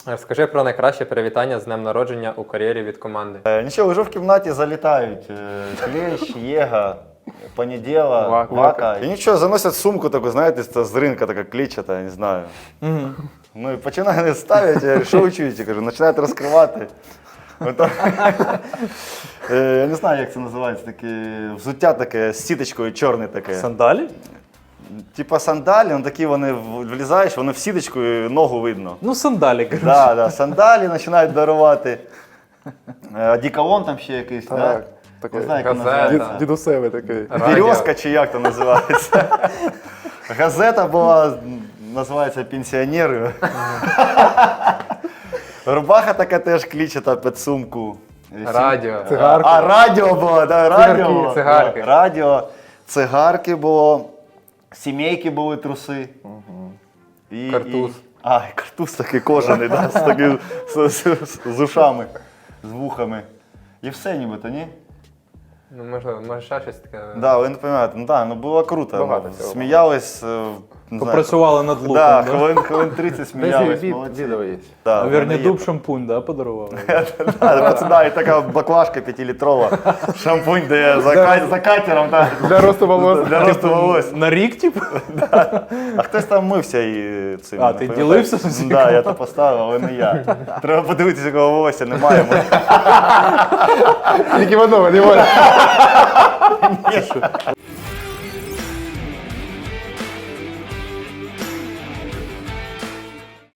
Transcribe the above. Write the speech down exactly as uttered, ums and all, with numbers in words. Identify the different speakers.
Speaker 1: Розкажи про найкраще привітання з днем народження у кар'єрі від команди.
Speaker 2: Е, Нічого, вже в кімнаті залітають. Е, Клещ, Єга, Понеділа,
Speaker 3: Вака.
Speaker 2: Вака. І нічого, заносять сумку таку, знаєте, це з ринка така клітчата, я не знаю. Ну і починають ставити, я говорю, що ви чуєте? Кажу, починають розкривати. Ото- Е, Я не знаю, як це називається, таке взуття таке з сіточкою чорне таке.
Speaker 3: Сандалі?
Speaker 2: Типа сандалі, ну такі вони в- влізаєш, вони в сіточку і ногу видно.
Speaker 3: Ну, сандалі, коротше.
Speaker 2: Да, да, сандалі починають дарувати. Е, Одеколон там ще якийсь,
Speaker 4: Так,
Speaker 2: так?
Speaker 4: такий.
Speaker 2: Не знаю, як
Speaker 1: Газета.
Speaker 2: називається.
Speaker 4: Дід, дідусевий такий.
Speaker 1: Радіо.
Speaker 2: Березка чи як то називається? Газета була, називається «Пенсіонери». Рубаха така теж клічета під сумку.
Speaker 1: Радіо.
Speaker 4: Цигарки.
Speaker 2: А, радіо було, да, радіо.
Speaker 1: Цигарки,
Speaker 2: було.
Speaker 1: цигарки.
Speaker 2: Радіо, цигарки було, сімейки були, труси. І,
Speaker 1: Картуз.
Speaker 2: І... А, і картуз такий кожаний, да, з, таким, з, з, з ушами, з вухами. І все нібито, ні?
Speaker 1: Ну, можливо, може ще щось таке.
Speaker 2: Да, ви не розумієте, ну так, ну було круто.
Speaker 4: Багато
Speaker 2: ну,
Speaker 4: цього.
Speaker 2: Сміялись. е, не знаю,
Speaker 3: Попрацювали над луком,
Speaker 2: Да,
Speaker 3: да?
Speaker 2: хвилин, хвилин тридцять сміялись,
Speaker 4: Десь
Speaker 2: молодці.
Speaker 4: відео є.
Speaker 2: Да,
Speaker 3: Наверное,
Speaker 2: в мене є.
Speaker 3: дуб шампунь, да, подарували?
Speaker 2: Да, пацана, і така баклажка п'ятилітрова, шампунь, де за, ка- за катером, так,
Speaker 4: Для росту волос.
Speaker 2: для росту волос.
Speaker 3: На рік, типу?
Speaker 2: А хтось там мився і цим.
Speaker 3: А,
Speaker 2: не
Speaker 3: ти
Speaker 2: пам'ятаю.
Speaker 3: ділився з усім?
Speaker 2: Да, я то поставив, але не я. Треба подивитися, якого волосся немає.
Speaker 4: Тільки в одному, не можна.